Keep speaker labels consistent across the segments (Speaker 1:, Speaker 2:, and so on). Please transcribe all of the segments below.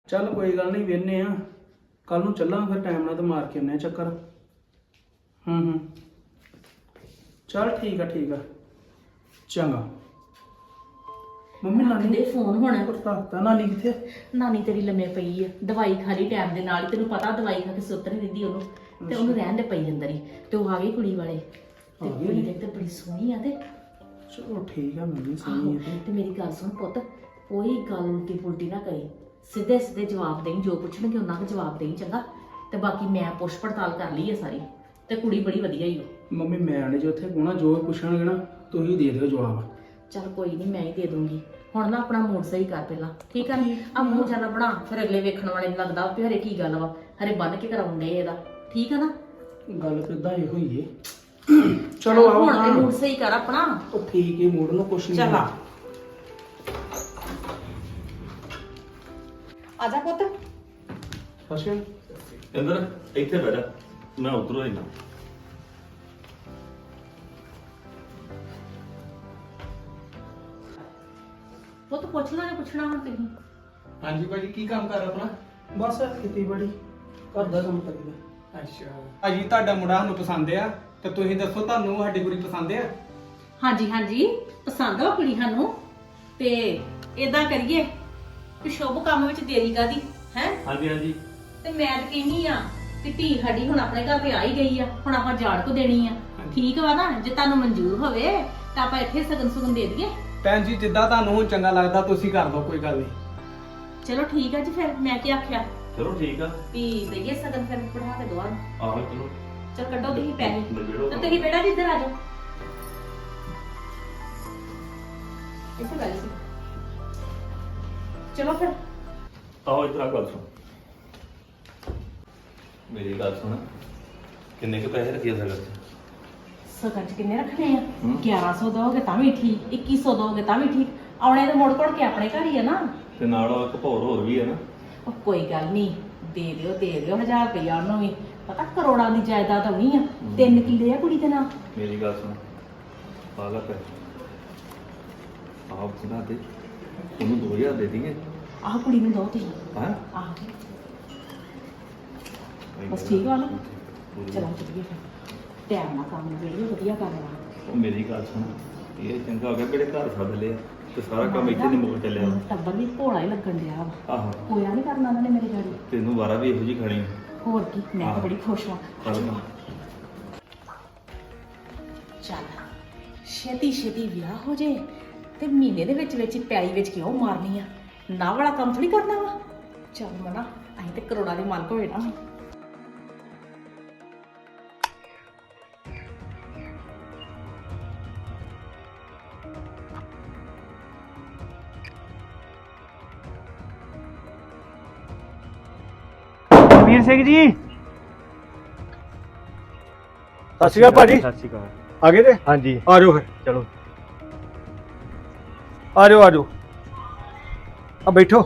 Speaker 1: ਚੱਲ ਕੋਈ ਗੱਲ ਨਹੀਂ, ਵੇਖਨੇ ਆ ਕੱਲ ਨੂੰ ਚੱਲਾਂ ਫਿਰ ਟਾਈਮ ਨਾਲ ਤੇ ਮਾਰ ਕੇ ਆਉਂਦੇ ਚੱਕਰ। ਚੱਲ ਠੀਕ ਆ ਚੰਗਾ। ਮੰਮੀ ਨਾਨੀ
Speaker 2: ਦੇ ਫੋਨ ਹੋਣਾ।
Speaker 1: ਪਤਾ ਨਾਨੀ ਕਿੱਥੇ?
Speaker 2: ਨਾਨੀ ਤੇਰੀ ਲੰਮੇ ਪਈ ਆ, ਦਵਾਈ ਖਾ ਲਈ ਟਾਈਮ ਦੇ ਨਾਲ। ਤੈਨੂੰ ਪਤਾ ਦਵਾਈ ਖਾ ਕੇ ਸੁੱਤ ਨਹੀਂ ਦਿੰਦੀ ਉਹਨੂੰ, ਤੇ ਉਹਨੂੰ ਰਹਿਣ ਦੇ ਪਈ ਅੰਦਰ ਹੀ। ਤੇ ਉਹ ਆ ਗਈ ਕੁੜੀ ਵਾਲੇ, ਤੇ ਕੁੜੀ ਦੇਖ ਤੇ ਬੜੀ ਸੋਹਣੀ ਆ। ਤੇ
Speaker 1: ਚਲੋ ਠੀਕ ਆ, ਮੰਮੀ ਸੋਹਣੀ ਆ
Speaker 2: ਤੇ ਮੇਰੀ ਗੱਲ ਸੁਣ ਪੁੱਤ, ਕੋਈ ਗੱਲ ਉਲਟੀ ਪੁਲਟੀ ਨਾ ਕਰੀ, ਸਿੱਧੇ ਸਿੱਧੇ ਜਵਾਬ ਦੇਈ, ਜੋ ਪੁੱਛਣਗੇ ਉਹਨਾਂ ਦਾ ਜਵਾਬ ਦੇਈ, ਚੰਗਾ। ਤੇ ਬਾਕੀ ਮੈਂ ਪੁੱਛ ਪੜਤਾਲ ਕਰ ਲਈ ਹੈ ਸਾਰੀ, ਤੇ ਕੁੜੀ ਬੜੀ ਵਧੀਆ ਹੀ ਹੋ।
Speaker 1: ਮੰਮੀ ਮੈਂ ਨੇ ਜੋ ਉੱਥੇ ਕੋਣਾ ਜੋ ਪੁੱਛਣਗੇ ਨਾ ਤੁਸੀਂ ਦੇ ਦਿਓ ਜਵਾਬ।
Speaker 2: ਚੱਲ ਕੋਈ ਨਹੀਂ, ਮੈਂ ਹੀ ਦੇ ਦੂੰਗੀ। ਹੁਣ ਨਾ ਆਪਣਾ ਮੂਡ ਸਹੀ ਕਰ ਪਹਿਲਾਂ, ਠੀਕ ਆ ਨਾ? ਆ ਮੂੰਹ ਜਿਆਦਾ ਬਣਾ, ਫਿਰ ਅਗਲੇ ਵੇਖਣ ਵਾਲੇ ਨੂੰ ਲੱਗਦਾ ਵੀ ਹਰੇ ਕੀ ਗੱਲ ਵਾ, ਹਰੇ ਬੰਨ ਕੇ ਕਰਾਉਂਦੇ ਇਹਦਾ, ਠੀਕ ਆ ਨਾ?
Speaker 1: ਗੱਲ ਕਿੱਦਾਂ ਇਹ ਹੋਈ ਏ। ਚਲੋ ਆਓ
Speaker 2: ਹੁਣ ਤੇ ਮੂਡ ਸਹੀ ਕਰ ਆਪਣਾ।
Speaker 1: ਉਹ ਠੀਕ ਏ, ਮੂਡ ਨੂੰ ਕੁਛ ਨਹੀਂ।
Speaker 2: ਚੱਲ ਆ ਜਾ ਪੁੱਤ।
Speaker 1: ਅੱਛਾ
Speaker 3: ਇੰਦਰ ਇੱਥੇ ਬੈਠ, ਮੈਂ ਉਧਰੋਂ ਆਈਨਾ।
Speaker 2: ਪੁੱਤ ਪੁੱਛਣਾ ਹੁਣ ਤੁਸੀਂ।
Speaker 4: ਹਾਂਜੀ ਭਾਜੀ, ਕੀ ਕੰਮ ਕਰ ਆਪਣਾ?
Speaker 1: ਬਸ ਖੇਤੀਬਾੜੀ ਘਰ ਦਾ ਕੰਮ ਕਰੀਦਾ।
Speaker 4: ਅੱਛਾ ਭਾਜੀ, ਤੁਹਾਡਾ ਮੁੰਡਾ ਸਾਨੂੰ ਪਸੰਦ ਆ, ਤੇ ਤੁਸੀਂ ਦੱਸੋ ਤੁਹਾਨੂੰ ਸਾਡੀ ਕੁੜੀ ਪਸੰਦ ਆ?
Speaker 2: ਹਾਂਜੀ ਪਸੰਦ ਆ ਕੁੜੀ ਸਾਨੂੰ। ਤੇ ਇਦਾਂ ਕਰੀਏ ਕਿ ਸ਼ੁਭ ਕੰਮ ਵਿੱਚ ਦੇਰੀ ਕਾਦੀ ਹੈ।
Speaker 3: ਹਾਂਜੀ
Speaker 2: ਤੇ ਮੈਂ ਤਾਂ ਕਹਿੰਦੀ ਆ ਕਿ ਧੀ ਸਾਡੀ ਹੁਣ ਆਪਣੇ ਘਰ ਤੇ ਆ ਹੀ ਗਈ ਆ, ਹੁਣ ਆਪਾਂ ਜਾੜ ਕੋ ਦੇਣੀ ਆ। ਠੀਕ ਵਾ ਨਾ? ਜੇ ਤੁਹਾਨੂੰ ਮਨਜ਼ੂਰ ਹੋਵੇ ਤਾਂ ਆਪਾਂ ਇੱਥੇ ਸਗਨ ਦੇ ਦਈਏ।
Speaker 4: ਭੈਣ ਜੀ, ਜਿੱਦਾਂ ਤੁਹਾਨੂੰ ਹੁਣ ਚੰਗਾ ਲੱਗਦਾ ਤੁਸੀਂ ਕਰ ਦਿਓ, ਕੋਈ ਗੱਲ ਨਹੀਂ।
Speaker 2: ਚਲੋ ਠੀਕ ਆ ਜੀ, ਫਿਰ ਮੈਂ ਕੀ ਆਖਿਆ
Speaker 3: ਚਲੋ ਠੀਕ ਆ।
Speaker 2: ਵੀ ਦਈਏ ਸਗਨ, ਫਿਰ ਪੜਾ ਕੇ ਦਵਾ।
Speaker 3: ਆਹੋ ਚਲੋ
Speaker 2: ਚਲ ਕੱਢੋ ਤੁਸੀਂ ਪੈਸੇ,
Speaker 3: ਨਿਬੇੜੋ
Speaker 2: ਤੇ ਤੁਸੀਂ ਬੇਟਾ ਜੀ ਇੱਧਰ ਆ ਜਾਓ। ਇੱਥੇ ਬੈਠ ਸੀ। ਚਲੋ ਫਿਰ
Speaker 3: ਆਹੋ ਇੱਧਰ ਆ, ਗੱਲ ਸੁਣ ਮੇਰੀ ਗੱਲ ਸੁਣ। ਕਿੰਨੇ ਕੁ ਪੈਸੇ ਰੱਖਿਆ ਸਕਦਾ?
Speaker 2: ਸਗਨ ਚ ਕਿੰਨੇ ਰੱਖਣੇ ਆ? 1100 ਦੋਗੇ ਤਾਂ ਵੀ ਠੀਕ, 2100 ਦੋਗੇ ਤਾਂ ਵੀ ਠੀਕ। ਆਉਣੇ ਤੇ ਮੁੜ ਕੋੜ ਕੇ ਆਪਣੇ ਘਰ ਹੀ ਆ ਨਾ।
Speaker 3: ਤੇ ਨਾਲ ਉਹ ਇੱਕ ਭੌਰ ਹੋਰ ਵੀ ਹੈ ਨਾ।
Speaker 2: ਉਹ ਕੋਈ ਗੱਲ ਨਹੀਂ, ਦੇ ਦਿਓ 1000 ਰੁਪਇਆ ਉਹਨੂੰ ਵੀ। ਪਤਾ ਕਰੋੜਾਂ ਦੀ ਜਾਇਦਾਦ ਆਉਣੀ ਆ। 3 ਕਿੱਲੇ ਆ ਕੁੜੀ ਦੇ ਨਾਲ।
Speaker 3: ਮੇਰੀ ਗੱਲ ਸੁਣ, ਪਾਗਲ ਪੈ ਆਪ ਸੁਣਾ ਦੇ, ਉਹਨੂੰ 2000 ਦੇ ਦਈਏ।
Speaker 2: ਆਹ ਕੁੜੀ ਨੂੰ ਦੋ ਤੁਸੀਂ।
Speaker 3: ਹਾਂ
Speaker 2: ਆਹ ਬਸ ਠੀਕ ਵਾ ਨਾ? ਚਲੋ ਚੱਲੀਏ ਫਿਰ, ਟਾਈਮ ਨਾਲ ਕੰਮ ਵੇਲੇ ਵਧੀਆ ਕਰਨਾ।
Speaker 3: ਉਹ ਮੇਰੀ ਗੱਲ ਸੁਣ, ਇਹ ਚੰਗਾ ਹੋ ਗਿਆ ਕਿਹੜੇ ਘਰ ਸੱਦ ਲਿਆ, ਤੇ ਸਾਰਾ ਕੰਮ ਇੱਥੇ ਨਹੀਂ ਮੁੱਕ ਚੱਲਿਆ।
Speaker 2: ਟੱਬਰ ਵੀ ਭੋਲਾ ਹੀ ਲੱਗਣ ਡਿਆ ਵਾ।
Speaker 3: ਆਹੋ
Speaker 2: ਹੋਇਆ ਨਹੀਂ ਕਰਨਾ ਉਹਨਾਂ ਨੇ ਮੇਰੇ ਗਾੜੀ।
Speaker 3: ਤੈਨੂੰ ਵਾਰਾ ਵੀ ਇਹੋ ਜਿਹੀ ਖਾਣੀ।
Speaker 2: ਹੋਰ ਕੀ, ਮੈਂ ਤਾਂ ਬੜੀ ਖੁਸ਼ ਹਾਂ। ਚੱਲ ਛੇਤੀ ਵਿਆਹ ਹੋ ਜੇ ਤੇ ਮਹੀਨੇ ਦੇ ਵਿੱਚ ਹੀ ਪੈਲੀ ਵਿੱਚ ਕਿਉਂ ਮਾਰਨੀ ਆ? ਨਾ ਵਾਲਾ ਕੰਮ ਥੋੜੀ ਕਰਨਾ ਵਾ। ਚੱਲ ਮਨਾ, ਅਸੀਂ ਤੇ ਕਰੋੜਾਂ ਦੇ ਮਾਲਕ ਹੋਏ ਨਾ।
Speaker 5: ਵੀਰ ਸਿੰਘ ਜੀ,
Speaker 6: ਸਤਿ ਸ਼੍ਰੀ ਅਕਾਲ ਭਾਜੀ।
Speaker 5: ਸਤਿ ਸ਼੍ਰੀ ਅਕਾਲ।
Speaker 6: ਆ ਗਏ ਤੇ
Speaker 5: ਹਾਂਜੀ
Speaker 6: ਆ ਜਾਓ ਫਿਰ,
Speaker 5: ਚਲੋ।
Speaker 6: ਆ ਜਾਓ ਆ ਬੈਠੋ।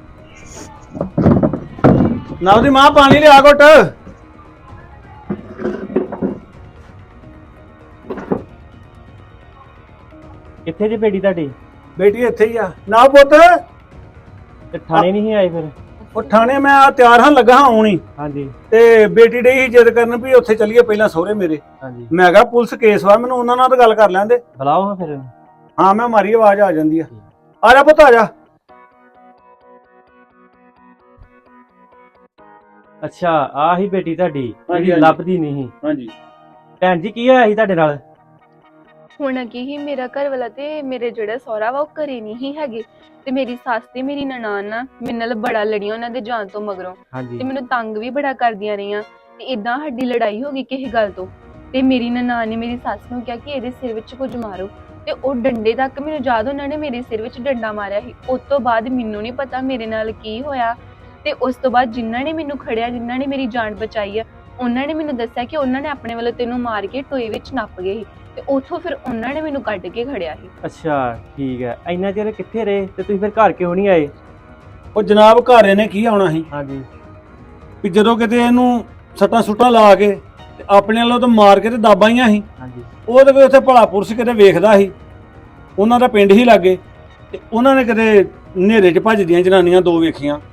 Speaker 6: ਨਾ ਉਹਦੀ ਮਾਂ ਪਾਣੀ ਲਿਆ ਘੁੱਟ।
Speaker 5: ਕਿੱਥੇ ਜੇ ਬੇਟੀ ਤੁਹਾਡੀ?
Speaker 6: ਬੇਟੀ ਇੱਥੇ ਹੀ ਆ। ਨਾ ਪੁੱਤ,
Speaker 5: ਤੇ ਥਾਣੇ ਨਹੀਂ ਆਏ ਫਿਰ?
Speaker 6: ਉਹ ਥਾਣੇ ਮੈਂ ਆ ਤਿਆਰ ਹਾਂ, ਲੱਗਾ ਹਾਂ ਆਉਣੀ।
Speaker 5: ਹਾਂਜੀ
Speaker 6: ਤੇ ਬੇਟੀ ਡਈ ਸੀ ਜਿੱਦ ਕਰਨ ਵੀ ਉੱਥੇ ਚੱਲੀਏ ਪਹਿਲਾਂ ਸਹੁਰੇ ਮੇਰੇ।
Speaker 5: ਹਾਂਜੀ,
Speaker 6: ਮੈਂ ਕਿਹਾ ਪੁਲਿਸ ਕੇਸ ਵਾ, ਮੈਨੂੰ ਉਹਨਾਂ ਨਾਲ ਤਾਂ ਗੱਲ ਕਰ ਲੈਂਦੇ।
Speaker 5: ਬੁਲਾਓ ਹਾਂ ਫਿਰ।
Speaker 6: ਹਾਂ ਮੈਂ ਮਾਰੀ ਆਵਾਜ਼ ਆ ਜਾਂਦੀ ਆ। ਆ ਜਾ ਪੁੱਤ, ਆ ਜਾ।
Speaker 5: ਅੱਛਾ, ਆਹ ਹੀ ਬੇਟੀ ਤੁਹਾਡੀ
Speaker 6: ਹਾਂਜੀ,
Speaker 5: ਜਿਹੜੀ
Speaker 6: ਹਾਂਜੀ।
Speaker 5: ਲੱਭਦੀ ਨਹੀਂ ਸੀ।
Speaker 6: ਹਾਂਜੀ
Speaker 5: ਭੈਣ ਜੀ, ਕੀ ਹੋਇਆ ਸੀ ਤੁਹਾਡੇ ਨਾਲ?
Speaker 7: ਹੁਣ ਕੀ ਹੀ, ਮੇਰਾ ਘਰ ਵਾਲਾ ਤੇ ਮੇਰੇ ਜਿਹੜਾ ਸਹੁਰਾ ਵਾ ਉਹ ਘਰੇ ਨਹੀਂ ਹੀ ਹੈਗੇ, ਤੇ ਮੇਰੀ ਸੱਸ ਤੇ ਮੇਰੀ ਨਨਾਣ ਨਾ ਮੇਰੇ ਨਾਲ ਬੜਾ ਲੜੀਆਂ ਉਹਨਾਂ ਦੇ ਜਾਣ ਤੋਂ ਮਗਰੋਂ,
Speaker 5: ਹਾਂਜੀ
Speaker 7: ਤੇ ਮੈਨੂੰ ਤੰਗ ਵੀ ਬੜਾ ਕਰਦੀਆਂ ਰਹੀਆਂ। ਤੇ ਇਦਾਂ ਸਾਡੀ ਲੜਾਈ ਹੋ ਗਈ ਕਿਸੇ ਗੱਲ ਤੋਂ, ਤੇ ਮੇਰੀ ਨਨਾਣ ਨੇ ਮੇਰੀ ਸੱਸ ਨੂੰ ਕਿਹਾ ਕਿ ਇਹਦੇ ਸਿਰ ਵਿੱਚ ਕੁਝ ਮਾਰੋ, ਤੇ ਉਹ ਡੰਡੇ ਤੱਕ ਮੈਨੂੰ ਯਾਦ ਉਹਨਾਂ ਨੇ ਮੇਰੇ ਸਿਰ ਵਿੱਚ ਡੰਡਾ ਮਾਰਿਆ ਸੀ। ਉਸ ਤੋਂ ਬਾਅਦ ਮੈਨੂੰ ਨਹੀਂ ਪਤਾ ਮੇਰੇ ਨਾਲ ਕੀ ਹੋਇਆ, ਤੇ ਉਸ ਤੋਂ ਬਾਅਦ ਜਿਨ੍ਹਾਂ ਨੇ ਮੈਨੂੰ ਖੜਿਆ, ਜਿਨ੍ਹਾਂ ਨੇ ਮੇਰੀ ਜਾਨ ਬਚਾਈ ਆ, ਉਹਨਾਂ ਨੇ ਮੈਨੂੰ ਦੱਸਿਆ ਕਿ ਉਹਨਾਂ ਨੇ ਆਪਣੇ ਵੱਲੋਂ ਤੈਨੂੰ ਮਾਰ ਕੇ ਟੋਏ ਵਿੱਚ ਨੱਪ ਗਏ ਸੀ, ਤੇ ਉੱਥੋਂ ਫਿਰ ਉਹਨਾਂ ਨੇ ਮੈਨੂੰ ਕੱਢ ਕੇ ਖੜਿਆ ਸੀ।
Speaker 5: ਅੱਛਾ ਠੀਕ ਹੈ। ਇੰਨਾ ਚਿਰ ਕਿੱਥੇ ਰਹੇ ਤੇ ਤੁਸੀਂ ਫਿਰ ਘਰ ਕਿਉਂ ਨਹੀਂ ਆਏ?
Speaker 6: ਉਹ ਜਨਾਬ ਘਰ ਇਹਨੇ ਕੀ ਆਉਣਾ ਸੀ
Speaker 5: ਹਾਂਜੀ
Speaker 6: ਵੀ ਜਦੋਂ ਕਿਤੇ ਇਹਨੂੰ ਸੱਟਾਂ ਸੁੱਟਾਂ ਲਾ ਕੇ ਤੇ ਆਪਣੇ ਵੱਲੋਂ ਤਾਂ ਮਾਰ ਕੇ ਤੇ ਦਾਬਾਈਆਂ ਸੀ।
Speaker 5: ਹਾਂਜੀ,
Speaker 6: ਉਹ ਤੇ ਉੱਥੇ ਭਲਾ ਪੁਰਸ਼ ਕਿਤੇ ਵੇਖਦਾ ਸੀ, ਉਹਨਾਂ ਦਾ ਪਿੰਡ ਹੀ ਲਾਗੇ, ਤੇ ਉਹਨਾਂ ਨੇ ਕਿਤੇ ਹਨੇਰੇ 'ਚ ਭੱਜਦੀਆਂ ਜਨਾਨੀਆਂ 2 ਵੇਖੀਆਂ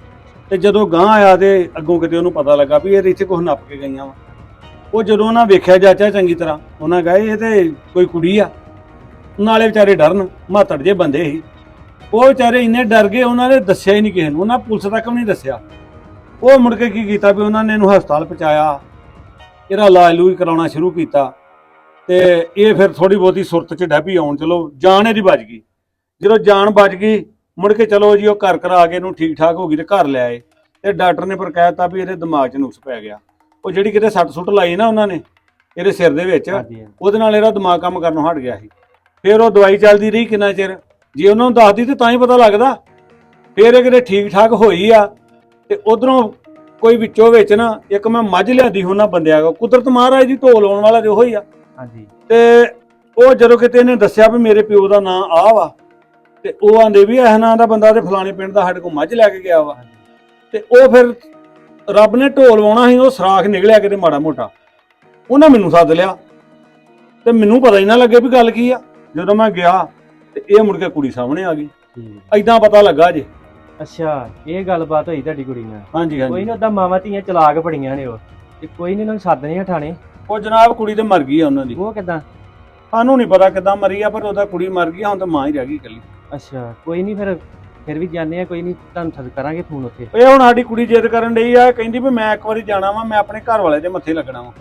Speaker 6: ਤੇ ਜਦੋਂ ਗਾਂ ਆਇਆ ਤੇ ਅੱਗੋਂ ਕਿਤੇ ਉਹਨੂੰ ਪਤਾ ਲੱਗਾ ਵੀ ਇਹ ਇੱਥੇ ਕੁਝ ਨੱਪ ਕੇ ਗਈਆਂ ਵਾ। ਉਹ ਜਦੋਂ ਉਹਨਾਂ ਵੇਖਿਆ ਚਾਚਾ ਚੰਗੀ ਤਰ੍ਹਾਂ, ਉਹਨਾਂ ਕਹੇ ਇਹ ਤੇ ਕੋਈ ਕੁੜੀ ਆ। ਨਾਲੇ ਵਿਚਾਰੇ ਡਰਨ, ਮਾਤੜ ਜੇ ਬੰਦੇ ਸੀ ਉਹ, ਵਿਚਾਰੇ ਇੰਨੇ ਡਰ ਗਏ ਉਹਨਾਂ ਨੇ ਦੱਸਿਆ ਹੀ ਨਹੀਂ ਕਿਸੇ ਨੂੰ, ਉਹਨਾਂ ਪੁਲਿਸ ਤੱਕ ਵੀ ਨਹੀਂ ਦੱਸਿਆ। ਉਹ ਮੁੜ ਕੇ ਕੀ ਕੀਤਾ ਵੀ ਉਹਨਾਂ ਨੇ ਇਹਨੂੰ ਹਸਪਤਾਲ ਪਹੁੰਚਾਇਆ, ਇਹਦਾ ਇਲਾਜ ਲੂਜ ਕਰਾਉਣਾ ਸ਼ੁਰੂ ਕੀਤਾ ਤੇ ਇਹ ਫਿਰ ਥੋੜੀ ਬਹੁਤੀ ਸੁਰਤ 'ਚ ਡੈਪੀ ਆਉਣ, ਚਲੋ ਜਾਨ ਇਹਦੀ ਬਚ ਗਈ। ਜਦੋਂ ਜਾਨ ਬਚ ਗਈ ਮੁੜ ਕੇ ਚਲੋ ਜੀ ਉਹ ਘਰ ਕਰਾ ਕੇ ਇਹਨੂੰ ਠੀਕ ਠਾਕ ਹੋ ਗਈ ਤੇ ਘਰ ਲੈ ਆਏ ਤੇ ਡਾਕਟਰ ਨੇ ਪਰ ਕਹਿ ਦਿੱਤਾ ਵੀ ਇਹਦੇ ਦਿਮਾਗ 'ਚ ਨੁਕਸ ਪੈ ਗਿਆ। ਉਹ ਜਿਹੜੀ ਕਿਤੇ ਸੱਟ ਸੁੱਟ ਲਾਈ ਨਾ ਉਹਨਾਂ ਨੇ ਇਹਦੇ ਸਿਰ ਦੇ ਵਿੱਚ, ਉਹਦੇ ਨਾਲ ਇਹਦਾ ਦਿਮਾਗ ਕੰਮ ਕਰਨੋਂ ਹਟ ਗਿਆ ਸੀ। ਫਿਰ ਉਹ ਦਵਾਈ ਚੱਲਦੀ ਰਹੀ ਕਿੰਨਾ ਚਿਰ, ਜੇ ਉਹਨਾਂ ਨੂੰ ਦੱਸਦੀ ਤੇ ਤਾਂ ਹੀ ਪਤਾ ਲੱਗਦਾ। ਫਿਰ ਇਹ ਕਿਤੇ ਠੀਕ ਠਾਕ ਹੋਈ ਆ ਤੇ ਉਧਰੋਂ ਕੋਈ ਵਿੱਚੋਂ ਵਿੱਚ ਨਾ ਇੱਕ ਮੈਂ ਮੱਝ ਲਿਆਂਦੀ ਉਹਨਾਂ ਬੰਦਿਆਂ ਕੋ, ਕੁਦਰਤ ਮਹਾਰਾਜ ਦੀ ਢੋਲ ਆਉਣ ਵਾਲਾ ਤੇ ਉਹੀ ਆ।
Speaker 5: ਹਾਂਜੀ।
Speaker 6: ਤੇ ਉਹ ਜਦੋਂ ਕਿਤੇ ਇਹਨੇ ਦੱਸਿਆ ਵੀ ਮੇਰੇ ਪਿਓ ਦਾ ਨਾਂ ਆ ਵਾ ਤੇ ਉਹ ਆਂਦੇ ਵੀ ਇਹ ਨਾਂ ਦਾ ਬੰਦਾ ਤੇ ਫਲਾਣੇ ਪਿੰਡ ਦਾ ਸਾਡੇ ਕੋਲ ਮੱਝ ਲੈ ਕੇ ਗਿਆ ਵਾ। ਤੇ ਉਹ ਫਿਰ ਰੱਬ ਨੇ ਢੋਲ ਵਾਉਣਾ ਸੀ, ਉਹ ਸਰਾਖ ਨਿਕਲਿਆ ਕਿਤੇ ਮਾੜਾ ਮੋਟਾ, ਉਹਨਾਂ ਮੈਨੂੰ ਸੱਦ ਲਿਆ ਤੇ ਮੈਨੂੰ ਪਤਾ ਹੀ ਨਾ ਲੱਗੇ ਵੀ ਗੱਲ ਕੀ ਆ। ਜਦੋਂ ਮੈਂ ਗਿਆ ਤੇ ਇਹ ਮੁੜ ਕੇ ਕੁੜੀ ਸਾਹਮਣੇ ਆ ਗਈ, ਐਦਾਂ ਪਤਾ ਲੱਗਾ ਜੇ।
Speaker 5: ਅੱਛਾ, ਇਹ ਗੱਲਬਾਤ ਹੋਈ ਤੁਹਾਡੀ ਕੁੜੀ ਨਾਲ?
Speaker 6: ਹਾਂਜੀ
Speaker 5: ਕੋਈ ਨਹੀਂ, ਉਦਾਂ ਮਾਵਾਂ ਧੀਆਂ ਚਲਾਕ ਬੜੀਆਂ ਨੇ ਉਹ, ਤੇ ਕੋਈ ਨਹੀਂ ਉਹਨਾਂ ਨੂੰ ਸੱਦਣੇ ਆ ਥਾਣੇ।
Speaker 6: ਉਹ ਜਨਾਬ ਕੁੜੀ ਤੇ ਮਰ ਗਈ ਆ ਉਹਨਾਂ ਦੀ।
Speaker 5: ਉਹ ਕਿਦਾਂ?
Speaker 6: ਸਾਨੂੰ ਨਹੀਂ ਪਤਾ ਕਿਦਾਂ ਮਰੀ ਆ, ਪਰ ਉਹਦਾ ਕੁੜੀ ਮਰ ਗਈ, ਹੁਣ ਤਾਂ ਮਾਂ ਹੀ ਰਹਿ ਗਈ ਇਕੱਲੀ।
Speaker 5: ਅੱਛਾ, ਕੋਈ ਨਹੀਂ, ਫਿਰ ਵੀ ਜਾਂਦੇ ਆ, ਕੋਈ ਨਹੀਂ, ਤੁਹਾਨੂੰ ਕਰਾਂਗੇ ਫੋਨ ਉੱਥੇ।
Speaker 6: ਇਹ ਹੁਣ ਸਾਡੀ ਕੁੜੀ ਜਿੱਦ ਕਰਨ ਡਈ ਆ, ਕਹਿੰਦੀ ਵੀ ਮੈਂ ਇੱਕ ਵਾਰੀ ਜਾਣਾ ਵਾ, ਮੈਂ ਆਪਣੇ ਘਰ ਵਾਲੇ ਦੇ ਮੱਥੇ ਲੱਗਣਾ ਵਾ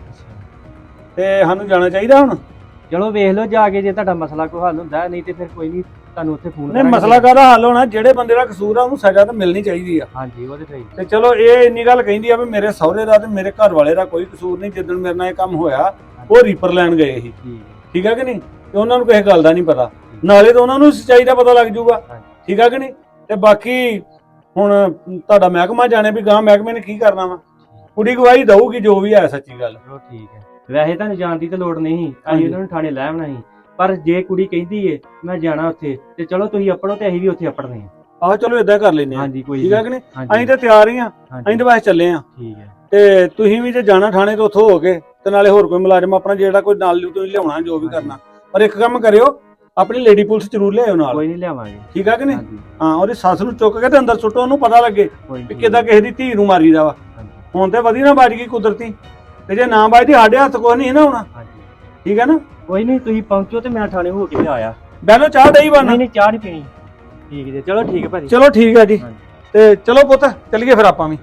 Speaker 6: ਤੇ ਸਾਨੂੰ ਜਾਣਾ ਚਾਹੀਦਾ ਹੁਣ।
Speaker 5: ਚਲੋ ਵੇਖ ਲਓ ਜਾ ਕੇ, ਜੇ ਤੁਹਾਡਾ ਮਸਲਾ ਕੋਈ ਹੱਲ ਹੁੰਦਾ, ਨਹੀਂ ਤੇ ਫਿਰ ਕੋਈ ਨਹੀਂ, ਤੁਹਾਨੂੰ ਉੱਥੇ ਫੋਨ
Speaker 6: ਨਹੀਂ ਮਸਲਾ ਕਾਹਦਾ ਹੱਲ ਹੋਣਾ, ਜਿਹੜੇ ਬੰਦੇ ਦਾ ਕਸੂਰ ਆ ਉਹਨੂੰ ਸਜ਼ਾ ਤਾਂ ਮਿਲਣੀ ਚਾਹੀਦੀ ਆ।
Speaker 5: ਹਾਂਜੀ, ਉਹ ਤੇ ਸਹੀ।
Speaker 6: ਤੇ ਚਲੋ ਇਹ ਇੰਨੀ ਗੱਲ ਕਹਿੰਦੀ ਆ ਵੀ ਮੇਰੇ ਸਹੁਰੇ ਦਾ ਤੇ ਮੇਰੇ ਘਰ ਵਾਲੇ ਦਾ ਕੋਈ ਕਸੂਰ ਨਹੀਂ, ਜਿੱਦਣ ਮੇਰੇ ਨਾਲ ਇਹ ਕੰਮ ਹੋਇਆ ਉਹ ਰੀਪਰ ਲੈਣ ਗਏ ਸੀ, ਠੀਕ ਆ ਕਿ ਨਹੀਂ, ਤੇ ਉਹਨਾਂ ਨੂੰ ਕਿਸੇ ਗੱਲ ਦਾ ਨਹੀਂ ਪਤਾ, ਨਾਲੇ ਤਾਂ ਉਹਨਾਂ ਨੂੰ ਸੱਚਾਈ ਦਾ ਪਤਾ ਲੱਗ ਜਾਊਗਾ, ਠੀਕ ਆ ਕਿ ਨਹੀਂ। ਤੇ ਬਾਕੀ ਹੁਣ ਤੁਹਾਡਾ ਮਹਿਕਮਾ ਜਾਣੇ ਵੀ ਗਾਂ ਮਹਿਕਮੇ ਨੇ ਕੀ ਕਰਨਾ ਵਾ, ਕੁੜੀ ਗਵਾਹੀ ਦਊਗੀ ਜੋ ਵੀ ਹੈ ਸੱਚੀ ਗੱਲ।
Speaker 5: ਚਲੋ ਠੀਕ ਹੈ, ਵੈਸੇ ਤੁਹਾਨੂੰ ਜਾਣ ਦੀ ਤਾਂ ਲੋੜ ਨਹੀਂ, ਅਸੀਂ ਉਹਨਾਂ ਨੂੰ ਥਾਣੇ ਲੈ ਆਉਣਾ ਸੀ, ਪਰ ਜੇ ਕੁੜੀ ਕਹਿੰਦੀ ਏ ਮੈਂ ਜਾਣਾ ਉੱਥੇ ਤੇ ਚਲੋ ਤੁਸੀਂ ਆਪੜੋ ਤੇ ਅਸੀਂ ਵੀ ਉੱਥੇ ਆਪੜਨੇ ਆ।
Speaker 6: ਆਹੋ ਚਲੋ ਏਦਾਂ ਕਰ ਲੈਨੇ ਆ।
Speaker 5: ਹਾਂਜੀ, ਕੋਈ
Speaker 6: ਠੀਕ ਆ ਕਿ ਨਹੀਂ, ਅਸੀਂ ਤਾਂ ਤਿਆਰ ਹੀ ਆ, ਅਸੀਂ ਤਾਂ ਬਸ ਚੱਲੇ ਆ।
Speaker 5: ਠੀਕ ਹੈ,
Speaker 6: ਤੇ ਤੁਸੀਂ ਵੀ ਜੇ ਜਾਣਾ ਥਾਣੇ ਤੋਂ ਉੱਥੋਂ ਹੋ ਕੇ ਤੇ ਨਾਲੇ ਹੋਰ ਕੋਈ ਮੁਲਾਜ਼ਮ ਆਪਣਾ ਜਿਹੜਾ ਕੋਈ ਨਾਲ ਤੁਸੀਂ ਲਿਆਉਣਾ ਜੋ ਵੀ ਕਰਨਾ, ਪਰ ਇੱਕ ਕੰਮ ਕਰਿਓ, ਆਪਣੀ ਲੇਡੀ ਪੁਲਿਸ ਜ਼ਰੂਰ ਲਿਆਇਓ ਨਾਲ।
Speaker 5: ਕੋਈ ਨਹੀਂ ਲਿਆਵਾਂਗੇ।
Speaker 6: ਠੀਕ ਆ ਕਿ ਨਹੀਂ, ਹਾਂ ਉਹਦੀ ਸੱਸ ਨੂੰ ਚੁੱਕ ਕੇ ਤੇ ਅੰਦਰ ਸੁੱਟੋ, ਉਹਨੂੰ ਪਤਾ ਲੱਗੇ ਵੀ ਕਿੱਦਾਂ ਕਿਸੇ ਦੀ ਧੀ ਨੂੰ ਮਾਰੀਦਾ ਵਾ। ਹੁਣ ਤੇ ਵਧੀਆ ਨਾ ਵੱਜ ਗਈ ਕੁਦਰਤੀ, ਤੇ ਜੇ ਨਾ ਵੱਜਦੀ ਸਾਡੇ ਹੱਥ ਕੁਛ ਨਹੀਂ ਨਾ ਹੋਣਾ। ਠੀਕ ਹੈ ਨਾ,
Speaker 5: ਕੋਈ ਨਹੀਂ, ਤੁਸੀਂ ਪਹੁੰਚੋ ਤੇ ਮੈਂ ਥਾਣੇ ਹੋ ਕੇ ਆਇਆ।
Speaker 6: ਬੈਲੋ ਚਾਹ ਦਈ ਬਣ।
Speaker 5: ਨਹੀਂ ਚਾਹ ਨਹੀਂ ਪੀਣੀ। ਠੀਕ ਜੀ, ਚਲੋ ਠੀਕ ਹੈ ਭਾਜੀ।
Speaker 6: ਚਲੋ ਠੀਕ ਹੈ ਜੀ, ਤੇ ਚਲੋ ਪੁੱਤ ਚੱਲੀਏ ਫਿਰ ਆਪਾਂ ਵੀ।